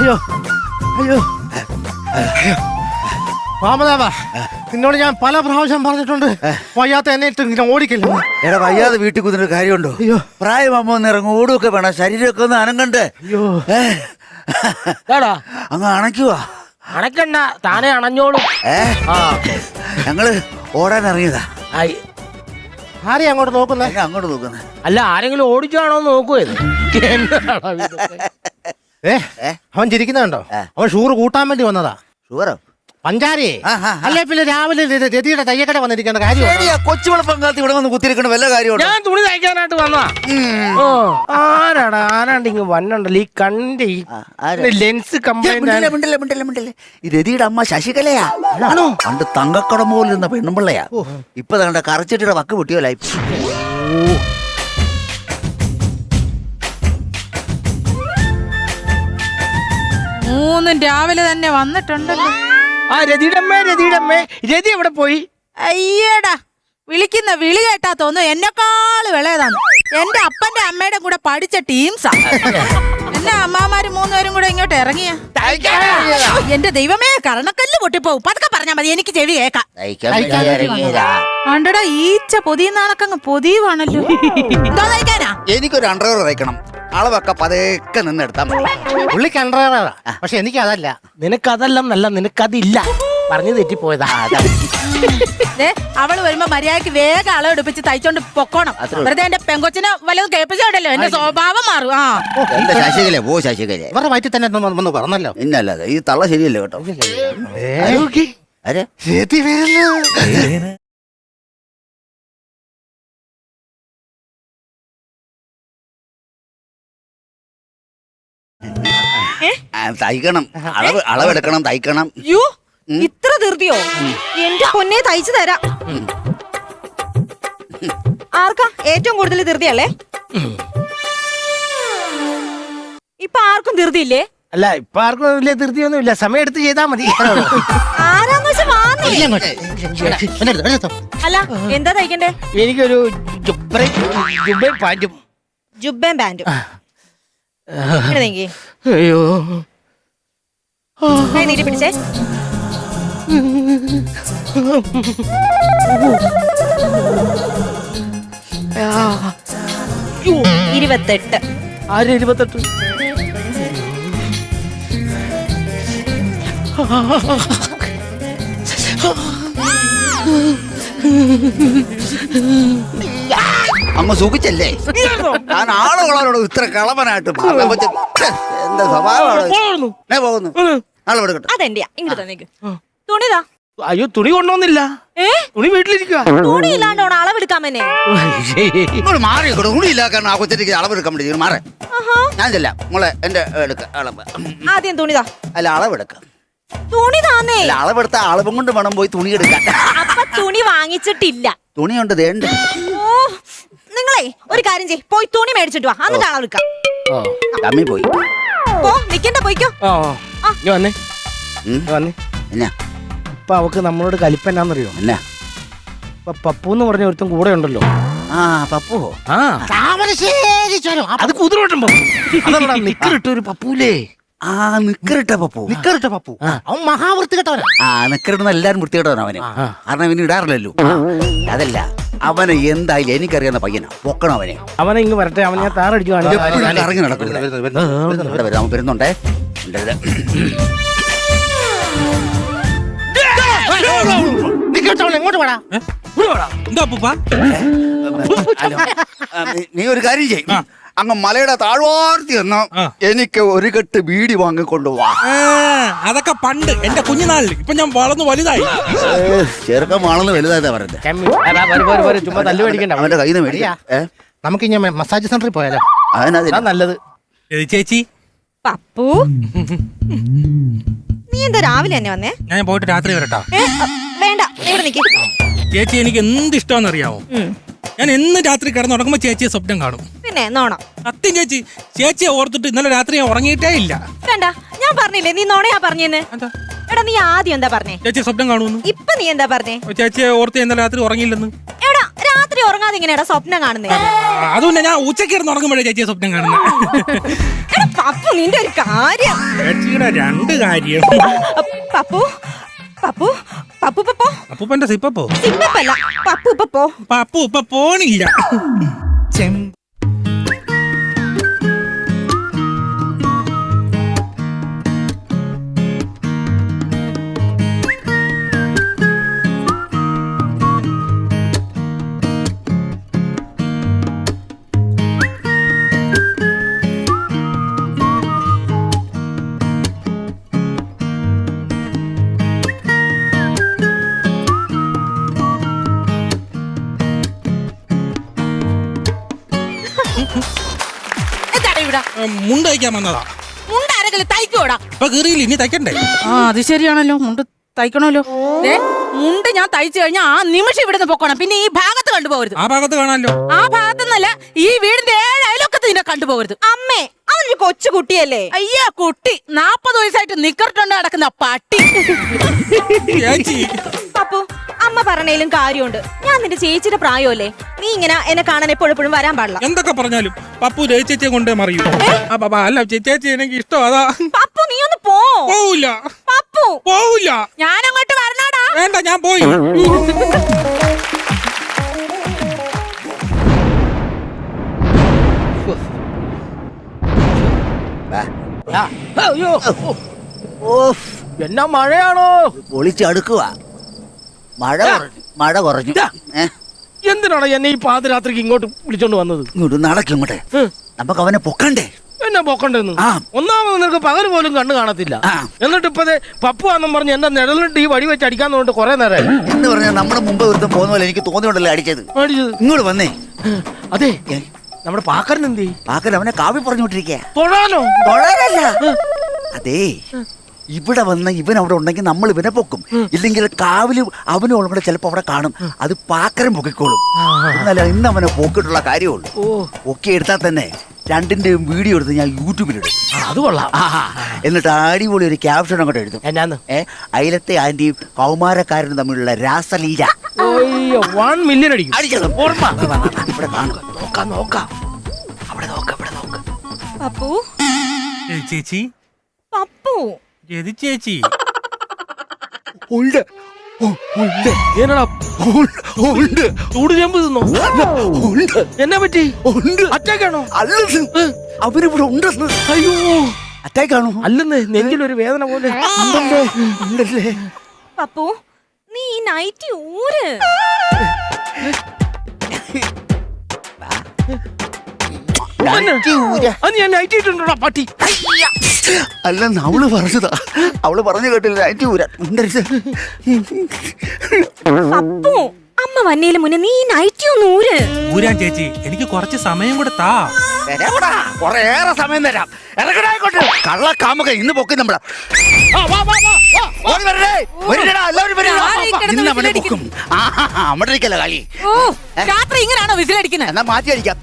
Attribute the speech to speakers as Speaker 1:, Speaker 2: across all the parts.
Speaker 1: അയ്യോ അയ്യോ അയ്യോ വാമദേവാ, നിന്നോട് ഞാൻ പല പ്രാവശ്യം പറഞ്ഞിട്ടുണ്ട് വയ്യാത്ത എന്നെ ഇട്ട് ഇങ്ങനെ ഓടിക്കില്ല.
Speaker 2: എടാ വയ്യാതെ വീട്ടിൽ കുതിരൊരു കാര്യമുണ്ടോ?
Speaker 1: അയ്യോ
Speaker 2: പ്രായമാകുമ്പോ ഒന്ന് ഇറങ്ങും, ഓടുമൊക്കെ വേണം, ശരീരമൊക്കെ ഒന്ന് അനങ്ങണ്ടേ?
Speaker 1: അയ്യോ
Speaker 2: അങ്ങ് അണയ്ക്കുവാ.
Speaker 3: അണക്കണ്ട, താനെ അണഞ്ഞോളൂ.
Speaker 2: ഞങ്ങള് ഓടാൻ ഇറങ്ങിയതാ.
Speaker 1: ആരെയാ അങ്ങോട്ട് നോക്കുന്നേ?
Speaker 2: അങ്ങോട്ട് നോക്കുന്നേ.
Speaker 3: അല്ല, ആരെങ്കിലും ഓടിച്ചാണോ നോക്കുവത്?
Speaker 1: അവൻ ചിരിക്കുന്നുണ്ടോ? അവൻ ഷൂറ് കൂട്ടാൻ വേണ്ടി വന്നതാ.
Speaker 2: ഷുഗറോ?
Speaker 1: പഞ്ചാരി അല്ലേ? പിന്നെ രാവിലെ രതിയുടെ തയ്യക്കട വന്നിരിക്കേണ്ട കാര്യം.
Speaker 2: കൊച്ചുവിള പങ്കാളത്ത് ഇവിടെ വന്ന് കുത്തിരിക്കണ വല്ല കാര്യമുണ്ടോ?
Speaker 3: ഞാൻ തുണി തയ്ക്കാനായിട്ട് വന്നതാ. ആരാണ്ട് ഇങ്ങ് വന്നുണ്ടല്ലോ ഈ കണ്ടി ലെൻസ് കംപ്ലൈന്റ്.
Speaker 2: ഈ രതിയുടെ അമ്മ ശശികലയാ. പണ്ട് തങ്കക്കടം പോലിരുന്ന പെണ്ണുമ്പിള്ളയാ. ഇപ്പൊ തങ്ങളുടെ കറച്ചിട്ടിയുടെ വക്ക് പൊട്ടിയോലായി.
Speaker 4: മൂന്നും രാവിലെ തന്നെ വന്നിട്ടുണ്ടല്ലോ.
Speaker 3: രതി എവിടെ പോയി?
Speaker 4: അയ്യടാ, വിളിക്കുന്ന വിളി കേട്ടാ തോന്നുന്നു എന്നെക്കാള് വിളയതാന്ന്. എന്റെ അപ്പന്റെ അമ്മയുടെ കൂടെ പഠിച്ച ടീംസാ. എല്ലാ അമ്മാമാര് മൂന്നുപേരും കൂടെ ഇങ്ങോട്ട് ഇറങ്ങിയ. എന്റെ ദൈവമേ, കരണക്കല്ല് പൊട്ടിപ്പോവും. പതുക്കെ പറഞ്ഞാ മതി, എനിക്ക് ചെവി കേക്കാം. ആണ്ടടാ, ഈച്ച പൊതിയുന്നാണക്കങ്ങ് പൊതിയുവാണല്ലോ. എന്തോ തയ്ക്കാനാ?
Speaker 2: എനിക്കൊരു അണ്ടർവെയർ തയ്ക്കണം. അളവൊക്കെ പതേക്കെ നിന്നെടുത്താ മതി.
Speaker 1: പുള്ളിക്ക് അണ്ടർവെയറാ, പക്ഷെ എനിക്കതല്ല.
Speaker 3: നിനക്കതെല്ലാം നല്ല, നിനക്കതില്ല. പറഞ്ഞു തെറ്റിപ്പോയതാ.
Speaker 4: അവള് വരുമ്പോ മര്യാദക്ക് വേഗം അളവെടുപ്പിച്ച് തയ്ച്ചോണ്ട് പൊക്കോണം. വെറുതെ എന്റെ പെങ്കൊച്ചിനെ വല്ലതും കേൾപ്പിച്ചോണ്ടല്ലോ എന്റെ സ്വഭാവം മാറും.
Speaker 2: ശശികല പോ, ശശികല
Speaker 1: ഇവരുടെ വയറ്റിൽ തന്നെ വന്ന് പറഞ്ഞല്ലോ.
Speaker 2: ഇന്നല്ലാതെ ഈ തള്ള ശരിയല്ലേ കേട്ടോ. തയ്ക്കണം, അളവെടുക്കണം, തയ്ക്കണം.
Speaker 5: ഇത്ര ധൃതിയോ? എന്റെ പൊന്നെ, തയ്ച്ചു തരാം. ആർക്കാ ഏറ്റവും കൂടുതൽ ധൃതിയല്ലേ? ഇപ്പൊ ആർക്കും ധൃതിയില്ലേ?
Speaker 3: അല്ല, ഇപ്പൊ ആർക്കും വലിയ ധൃതിയൊന്നും ഇല്ല. സമയം എടുത്ത് ചെയ്താ മതി.
Speaker 5: ആരാന്ന് വെച്ചാ അല്ല, എന്താ തയ്ക്കണ്ടേ?
Speaker 3: എനിക്കൊരു ജുബ്ബയും പാന്റും.
Speaker 5: ജുബ്ബയും പാന്റും.
Speaker 3: അയ്യോ,
Speaker 5: നീട്ടി പിടിച്ചേ. 28.
Speaker 3: ആര് 28?
Speaker 2: അമ്മ സൂഖിച്ചല്ലേ? ഞാൻ ആളുകളോട് ഇത്ര കളവനായിട്ട് എന്താ സ്വഭാവമാണ്? പോകുന്നു. അളവെടുക്കട്ടെ.
Speaker 5: അതെന്റെയാ, ഇങ്ങോട്ട് തന്നേക്ക്. തുണിതാ.
Speaker 3: അയ്യോ, തുണി കൊണ്ടോന്നില്ല. തുണി വീട്ടിലിരിക്കുക.
Speaker 5: തുണി ഇല്ലാണ്ടോണം അളവെടുക്കാമെന്നെ.
Speaker 2: മാറിക്കോ, തുണിയില്ലാക്കാൻ ആ കൊച്ചിക്ക് അളവെടുക്കാൻ വേണ്ടി മാറേ. ഞാൻ ചെല്ലാം മോളെ, എന്റെ അളവ്.
Speaker 5: ആദ്യം തുണിതാ.
Speaker 2: അല്ല, അളവെടുക്കാം.
Speaker 5: തുണി താന്നേ.
Speaker 2: അളവെടുത്ത അളവും കൊണ്ട് വേണം പോയി തുണി എടുക്കാൻ.
Speaker 5: അപ്പൊ തുണി വാങ്ങിച്ചിട്ടില്ല.
Speaker 2: തുണിയുണ്ട്, ദേണ്ട്.
Speaker 5: നിങ്ങളെ ഒരു കാര്യം ചെയ്യ്, പോയി തുണി മേടിച്ചിട്ട് വാ, എന്നിട്ട് അളവെടുക്കാം.
Speaker 2: തമ്മി പോയി
Speaker 5: പോ, നിക്കണ്ട, പോയിക്കോ.
Speaker 3: വന്നേ വന്നേ.
Speaker 2: എന്നാ
Speaker 3: ഇപ്പൊ അവക്ക് നമ്മളോട് കലിപ്പന്നാന്നറിയോ?
Speaker 2: എന്നാ
Speaker 3: ഇപ്പൊ പപ്പു എന്ന് പറഞ്ഞ ഒരുത്തും കൂടെ ഉണ്ടല്ലോ.
Speaker 2: പപ്പു.
Speaker 3: അത് കുതിരോട്ടം നിക്കറിട്ട ഒരു പപ്പൂലേ.
Speaker 2: നിക്കറിട്ട പപ്പു.
Speaker 1: നിക്കറിട്ട പപ്പു അവൻ മഹാവൃത്തി കേട്ടവനാ.
Speaker 2: നിക്കറിടുന്ന എല്ലാരും വൃത്തികെട്ടവനാ അവന്. കാരണം ഇവന് ഇടാറില്ലല്ലോ. അതല്ല, അവനെ എന്തായാലും എനിക്കറിയാവുന്ന പയ്യനാ. പൊക്കണം അവനെ.
Speaker 3: അവനെ ഇങ്ങ് വരട്ടെ, അവൻ ഞാൻ താറടിച്ചു
Speaker 2: ഇറങ്ങി നടക്കും. വരുന്നുണ്ടേ.
Speaker 1: എങ്ങോട്ട് വേടാ?
Speaker 2: നീ ഒരു കാര്യം ചെയ്യും, അങ്ങ് മലയുടെ താഴ്വാർത്തി എന്നോ എനിക്ക് ഒരു കെട്ട് ബീഡി വാങ്ങിക്കൊണ്ടുപോവാ.
Speaker 6: അതൊക്കെ പണ്ട് എന്റെ കുഞ്ഞുനാളിൽ. ഇപ്പൊ ഞാൻ വളർന്നു വലുതായി.
Speaker 2: ചെറുക്കം വളർന്ന് വലുതായതാ പറഞ്ഞത്.
Speaker 3: ചുമ്മാ തല്ലു മേടിക്കണ്ട,
Speaker 2: അവന്റെ കയ്യിൽ നിന്ന് മേടിക്കാം.
Speaker 1: നമുക്ക് ഇനി മസാജ് സെന്ററിൽ പോയാലോ?
Speaker 2: അതിനാ
Speaker 3: നല്ലത്.
Speaker 6: ചേച്ചി,
Speaker 5: പപ്പു, നീ എന്താ രാവിലെ തന്നെ വന്നേ?
Speaker 6: ഞാൻ പോയിട്ട് രാത്രി വരട്ടാ.
Speaker 5: വേണ്ട, ഇവിടെ നിക്ക്.
Speaker 6: ചേച്ചി, എനിക്ക് എന്ത് ഇഷ്ടമാണെന്ന് അറിയാമോ? ഞാൻ എന്ന് രാത്രി കിടന്നുറങ്ങുമ്പോ ചേച്ചിയെ സ്വപ്നം കാണും.
Speaker 5: പിന്നെ നോണം.
Speaker 6: സത്യം ചേച്ചി, ചേച്ചിയെ ഓർത്തിട്ട് ഇന്നലെ രാത്രി ഞാൻ ഉറങ്ങിയിട്ടേ ഇല്ല.
Speaker 5: വേണ്ട, ഞാൻ പറഞ്ഞില്ലേ നീ നോണയാ പറഞ്ഞെന്ന്. എടാ, നീ ആദ്യം എന്താ പറഞ്ഞേ?
Speaker 6: ചേച്ചി സ്വപ്നം കാണുമെന്ന്.
Speaker 5: ഇപ്പൊ നീ എന്താ പറഞ്ഞേ?
Speaker 6: ചേച്ചിയെ ഓർത്ത് ഇന്നലെ രാത്രി ഉറങ്ങിയില്ലെന്ന്.
Speaker 5: എടാ, രാത്രി ഉറങ്ങാതെ ഇങ്ങനെയാ സ്വപ്നം കാണുന്നേ?
Speaker 6: അതുകൊണ്ട് ഞാൻ ഉച്ചയ്ക്ക് കിടന്ന് ഉറങ്ങുമ്പോഴേ ചേച്ചിയെ സ്വപ്നം കാണുന്നത്.
Speaker 5: എടാ പപ്പു, നിന്റെ ഒരു കാര്യം.
Speaker 6: ചേച്ചിയുടെ രണ്ട് കാര്യം.
Speaker 5: പപ്പു പപ്പു പപ്പു പപ്പോ
Speaker 6: അപ്പൂപ്പന്റെ സിപ്പപ്പോ
Speaker 5: സിപ്പല്ല, പപ്പു പപ്പോ.
Speaker 6: പപ്പു ഇപ്പൊ പോണില്ല.
Speaker 4: എന്താണ് ഇവിടെ
Speaker 6: മുണ്ട് തയ്ക്കാൻ വന്നതാ.
Speaker 4: മുണ്ട് ആരെങ്കിലും തയ്ക്കോടാ?
Speaker 6: ഇപ്പൊ കീറിയില്ല, ഇനി തയ്ക്കണ്ടേ?
Speaker 4: ആ അത് ശരിയാണല്ലോ, മുണ്ട് തയ്ക്കണമല്ലോ. മുണ്ട് ഞാൻ തയ്ച്ചു കഴിഞ്ഞാൽ ആ നിമിഷം ഇവിടുന്ന് പൊക്കണം. പിന്നെ ഈ ഭാഗത്ത് കണ്ടുപോകരുത്.
Speaker 6: ആ ഭാഗത്ത് കാണാമല്ലോ.
Speaker 4: ആ ഭാഗത്തുനിന്നല്ല, ഈ വീടിന്റെ 7 അയലൊക്കത്ത് നിന്നെ കണ്ടുപോകരുത്.
Speaker 5: അമ്മേ, അവനൊരു കൊച്ചു കുട്ടിയല്ലേ?
Speaker 4: അയ്യാ കുട്ടി, 40 വയസ്സായിട്ട് നിക്കറിട്ടുണ്ട് നടക്കുന്ന പട്ടി.
Speaker 6: ചേച്ചി
Speaker 5: പപ്പു, അമ്മ പറഞ്ഞതിലും കാര്യമുണ്ട്. ഞാൻ നിന്റെ ചേച്ചിയുടെ പ്രായമല്ലേ? നീ ഇങ്ങനെ എന്നെ കാണാൻ എപ്പോഴും വരാൻ പാടില്ല.
Speaker 6: എന്തൊക്കെ പറഞ്ഞാലും പപ്പു ചേച്ചിയെ കൊണ്ടേ മറിയൂ. അല്ല ചേച്ചി എനിക്ക് ഇഷ്ടം അതാ.
Speaker 5: പപ്പു നീ ഒന്ന് പോ.
Speaker 6: പോവില്ല
Speaker 5: പപ്പു
Speaker 6: പോവില്ല.
Speaker 4: ഞാൻ അങ്ങോട്ട് വരണാടാ.
Speaker 6: വേണ്ട, ഞാൻ പോയി.
Speaker 3: അയ്യോ,
Speaker 2: ഓഫ്,
Speaker 3: എന്നാ മഴയാണോ?
Speaker 2: പൊളിച്ചടുക്കുക. മഴ കുറഞ്ഞു.
Speaker 3: എന്തിനാണ് എന്നെ ഈ പാതിരാത്രിക്ക് ഇങ്ങോട്ട് വിളിച്ചോണ്ട് വന്നത്?
Speaker 2: ഇങ്ങോട്ട് നടക്കും ഇങ്ങോട്ടെ. നമുക്ക് അവനെ പൊക്കണ്ടേ?
Speaker 3: എന്നെ പൊക്കണ്ടെന്ന്.
Speaker 2: ആ.
Speaker 3: ഒന്നാമത് നിനക്ക് പകൽ പോലും കണ്ണു കാണത്തില്ല.
Speaker 2: ആ.
Speaker 3: എന്നിട്ട് ഇപ്പതേ പപ്പു ആണെന്നും പറഞ്ഞ് എന്റെ നിഴലിട്ട് ഈ വടി വെച്ച് അടിക്കാന്ന് പറഞ്ഞിട്ട് കുറെ നേരം
Speaker 2: എന്ന് പറഞ്ഞാൽ നമ്മുടെ മുമ്പ് ഒരുത്തം പോകുന്ന പോലെ എനിക്ക് തോന്നിയുണ്ടല്ലോ അടിച്ചത്.
Speaker 3: അടിച്ചത്.
Speaker 2: ഇങ്ങോട്ട് വന്നേ.
Speaker 3: അതെ,
Speaker 2: ഏ,
Speaker 3: നമ്മുടെ പാക്കരൻ എന്തി
Speaker 2: പാക്കൻ അവനെ കാവി പറഞ്ഞുകൊണ്ടിരിക്കുക.
Speaker 3: തൊഴാനോ?
Speaker 2: അതേ, ഇവിടെ വന്ന ഇവൻ അവിടെ ഉണ്ടെങ്കിൽ നമ്മൾ ഇവനെ പൊക്കും. ഇല്ലെങ്കിൽ കാവില് അവനും കൂടെ ചിലപ്പോ അവിടെ കാണും. അത് പാക്കരം പൊക്കിക്കോളും. എന്നല്ല ഇന്ന് അവനെ പോക്കിട്ടുള്ള കാര്യമുള്ളൂ. പൊക്കി എടുത്താൽ തന്നെ രണ്ടിന്റെയും വീഡിയോ എടുത്ത് ഞാൻ യൂട്യൂബിലിടും.
Speaker 3: അത് കൊള്ളാം.
Speaker 2: എന്നിട്ട് അടിപൊളി ഒരു ക്യാപ്ഷൻ അങ്ങോട്ട് എഴുതും.
Speaker 3: എന്നാന്ന്?
Speaker 2: അയലത്തെ ആന്റിയും കൗമാരക്കാരനും തമ്മിലുള്ള രാസലീല.
Speaker 3: 1 മില്യൺ അടിക്കും.
Speaker 2: അടിക്കണം.
Speaker 3: ഓർമ്മ.
Speaker 2: ഇവിടെ കാണും.
Speaker 3: നോക്കാം.
Speaker 2: അവിടെ നോക്ക്.
Speaker 5: പപ്പു
Speaker 6: ചേച്ചി
Speaker 5: പപ്പു
Speaker 6: ഏത് ചേച്ചി?
Speaker 3: ഉണ്ട്. എന്നടാ ഉണ്ട്. ചൂട് ചെമ്പ് തിന്നോ? എന്നാ പറ്റി? അറ്റാക്കാണോ?
Speaker 2: അല്ലെന്ന്, അവരിവിടെ ഉണ്ടെന്ന്.
Speaker 3: അയ്യോ,
Speaker 2: അറ്റാക്കാണോ?
Speaker 3: അല്ലെന്ന്, നെഞ്ചിലൊരു വേദന പോലെ
Speaker 2: ഉണ്ടല്ലേ.
Speaker 5: പപ്പു നീ ഈ നൈറ്റി ഊര്.
Speaker 3: അത് ഞാൻ നൈറ്റ് ഇട്ടുണ്ടോടാ പട്ടി.
Speaker 2: അല്ലെന്ന് അവള് പറഞ്ഞതാ. അവള് പറഞ്ഞു കേട്ടില്ല. നൈറ്റി ഊരാ.
Speaker 5: പപ്പു അമ്മ വന്നേലും മുന്നേ നീ നൈറ്റി ഒന്ന് ഊര്.
Speaker 6: ഊരാൻ ചേച്ചി, എനിക്ക് കുറച്ച് സമയം കൂടെ താ.
Speaker 2: കൊറേറെ സമയം തരാം. ഇറങ്ങടായിക്കോട്ടെ. കള്ള കാമുക ഇന്ന് പൊക്കി നമ്മളെ. അമ്മടിക്കല്ല കളി.
Speaker 4: ഓ, രാത്രി ഇങ്ങനാണോ വിസിലടിക്കുന്നത്?
Speaker 2: എന്നാ മാറ്റി അടിക്കാം.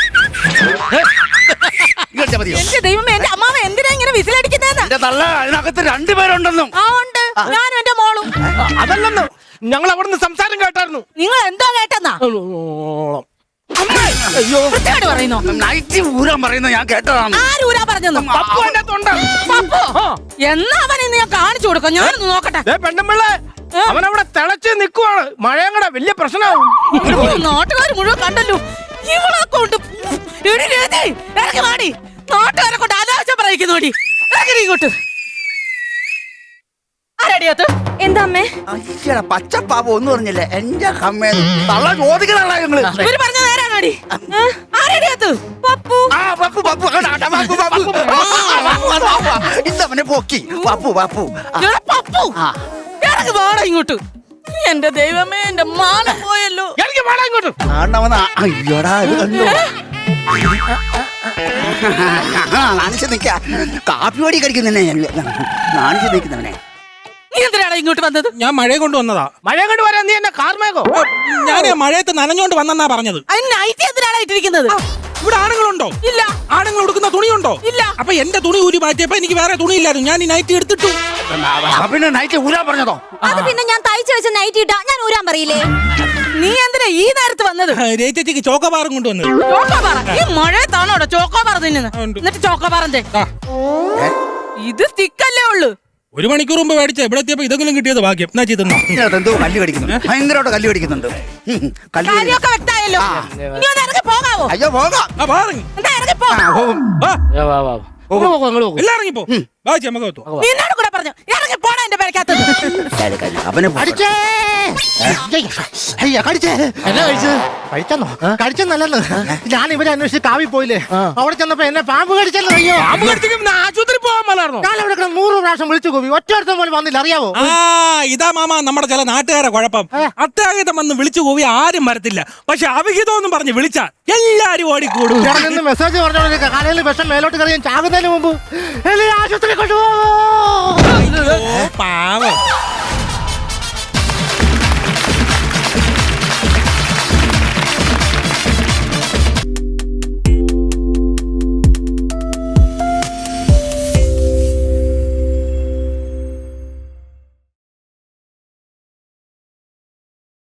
Speaker 4: എന്റെ ദൈവമേ, എന്റെ അമ്മാവ എന്തിനാ ഇങ്ങനെ വിസിലടിക്കുന്നതെന്ന്?
Speaker 2: എന്റെ തള്ള അതിനകത്ത് 2 പേരുണ്ടെന്നും.
Speaker 4: ആ ഉണ്ട്, ഞാനും എന്റെ മോളും.
Speaker 3: അതല്ലെന്ന്, ഞങ്ങൾ അവിടുന്ന് സംസാരം കേട്ടായിരുന്നു.
Speaker 4: നിങ്ങൾ എന്തോ കേട്ടെന്നാ?
Speaker 3: അയ്യോ,
Speaker 4: വൃത്തികേട് പറയുന്നോ?
Speaker 2: നൈറ്റി ഊരാൻ പറയുന്നത് ഞാൻ കേട്ടതാണ്.
Speaker 4: ആരൂരാ പറഞ്ഞെന്നു?
Speaker 3: പപ്പു എന്റെ തൊണ്ട.
Speaker 4: പപ്പു എന്നാ അവൻ ഇന്ന് ഞാൻ കാണിച്ചു കൊടുക്കാം. ഞാനൊന്ന് നോക്കട്ടെ.
Speaker 3: പെണ്ണമ്പിള്ളേ, അവനവിടെ തിളച്ച് നിൽക്കുവാണ്. മഴയും കൂടെ വലിയ പ്രശ്നമാവും.
Speaker 4: നാട്ടുകാർ മുഴുവൻ കണ്ടല്ലോ. ഇവളെ കൊണ്ട് ഇറങ്ങി മാടി. നാട്ടുകാരെ കൊണ്ട് അനാവശ്യം പറയിക്കുന്നോടി. ഇറങ്ങി ഇങ്ങോട്ട്. ആരടിയത്ത്?
Speaker 5: എന്താ അമ്മേ?
Speaker 2: പച്ചപ്പാപ്പ ഒന്നും പറഞ്ഞില്ല. എന്റെ അമ്മ തള്ള ചോദിക്കണ ഞങ്ങള്.
Speaker 4: ഇവര് പറഞ്ഞ നേരാണോടി? ആരടിയത്ത്?
Speaker 5: പപ്പു
Speaker 2: ഇന്നവനെ പോക്കി. പപ്പു
Speaker 4: പപ്പു ഇറങ്ങി വാടാ ഇങ്ങോട്ട്. എന്റെ ദൈവമേ, എന്റെ മാനം പോയല്ലോ.
Speaker 3: എനിക്ക് വേണം ഇങ്ങോട്ട്.
Speaker 2: അയ്യോടാ, നാണിച്ച് നിക്ക. കാപ്പി പൊടി കടിക്കുന്നവനെ നാണിച്ച് നിൽക്കുന്നവനെ.
Speaker 4: നീ എന്തിനാണ് ഇങ്ങോട്ട് വന്നത്?
Speaker 6: ഞാൻ മഴയെ കൊണ്ട് വന്നതാ.
Speaker 3: മഴ കൊണ്ട് വരാൻ നീ എന്നെ കാർമേഘോ?
Speaker 6: ഞാൻ മഴയത്ത് നനഞ്ഞോണ്ട് വന്നെന്നാ പറഞ്ഞത്.
Speaker 4: അതിന് നൈറ്റി എന്തിനാണ് ഇട്ടിരിക്കുന്നത്?
Speaker 6: ഇവിടെ ആണുങ്ങളുണ്ടോ?
Speaker 4: ഇല്ല.
Speaker 6: ആണുങ്ങൾ ഉടുക്കുന്ന തുണിയുണ്ടോ?
Speaker 4: ഇല്ല.
Speaker 6: അപ്പൊ എന്റെ തുണി ഊരി മാറ്റിയപ്പോ എനിക്ക് വേറെ തുണിയില്ലായിരുന്നു. ഞാൻ ഈ നൈറ്റി എടുത്തിട്ടു.
Speaker 2: പിന്നെ നൈറ്റ് ഊരാൻ പറഞ്ഞതോ?
Speaker 5: അത് പിന്നെ ഞാൻ തയ്ച്ചു വെച്ച നൈറ്റി ഇട്ടാ ഞാൻ ഊരാൻ പറയില്ലേ?
Speaker 4: നീ എന്തിനാ ഈ നേരത്ത് വന്നത്?
Speaker 6: ചേച്ചിക്ക് ചോക്കോബാറും കൊണ്ടുവന്നത്.
Speaker 4: ചോക്കോബാറ? ഈ മഴയത്താണോടെ ചോക്കോബാർ തിന്നുന്നത്?
Speaker 6: ഉണ്ട്.
Speaker 4: എന്നിട്ട് ചോക്കോബാറെന്തേ?
Speaker 6: ആ,
Speaker 4: ഇത് സ്റ്റിക്കല്ലേ ഉള്ളു.
Speaker 6: 1 മണിക്കൂർ മുമ്പ് മേടിച്ച ഇവിടെ എത്തിയപ്പോ ഇതെങ്കിലും കിട്ടിയത് ഭാഗ്യം. എന്നാ ചെയ്തെന്നോ
Speaker 2: എന്തോ കല്ല് കടിക്കുന്നു, ഭയങ്കരമായിട്ട് കല്ല് കടിക്കുന്നുണ്ട്. കല്ല് കടി-
Speaker 4: കാര്യമൊക്കെ വ്യക്തമായല്ലോ. ഇനി ഒന്ന് ഇറങ്ങി പോകാവോ?
Speaker 2: അയ്യോ പോകാം.
Speaker 6: ആ വാറങ്ങി
Speaker 4: എന്താ ഇറങ്ങി പോ.
Speaker 6: എല്ലാം ഇറങ്ങിപ്പോ വായിച്ചു നമുക്ക് എത്തുവാ.
Speaker 4: നിന്നോട് കൂടെ പറഞ്ഞു ഇറങ്ങി പോണ എന്റെ പേരക്കകത്ത്.
Speaker 2: അവനെ
Speaker 1: കടിച്ചേ അയ്യ കടിച്ചേ. എന്നാ കഴിച്ചത്? കഴിച്ചെന്നോ? കഴിച്ചെന്നല്ലെന്ന്. ഞാൻ ഇവരെ അന്വേഷിച്ച് കാവി പോയില്ലേ, അവിടെ ചെന്നപ്പോ എന്നെ പാമ്പ് കടിച്ചല്ലോ. അയ്യോ,
Speaker 3: പാമ്പ് കടിച്ചെങ്കിൽ ആശുപത്രി പോകാൻ മേലായിരുന്നോ?
Speaker 1: ഞാൻ അവിടെ 100 പ്രാവശ്യം വിളിച്ചു കൂവി, ഒറ്റ പോലും വന്നില്ല. അറിയാവോ?
Speaker 6: ആ ഇതാ മാമ നമ്മുടെ ചില നാട്ടുകാരെ കുഴപ്പം. അത്യാഹിതം വന്ന് വിളിച്ചു പോയി ആരും വരത്തില്ല. പക്ഷെ അവിഹിതം പറഞ്ഞ് വിളിച്ച എല്ലാരും ഓടിക്കൂടും.
Speaker 1: ഇവിടെ നിന്ന് മെസ്സേജ് പറഞ്ഞോണ്ടിരിക്കുക, കാലയിൽ വിഷം മേലോട്ട് കറിയാൻ ചാകുന്നതിന് മുമ്പ് എന്നെ ആശുപത്രി കൊണ്ടുപോകും.
Speaker 6: പാവം.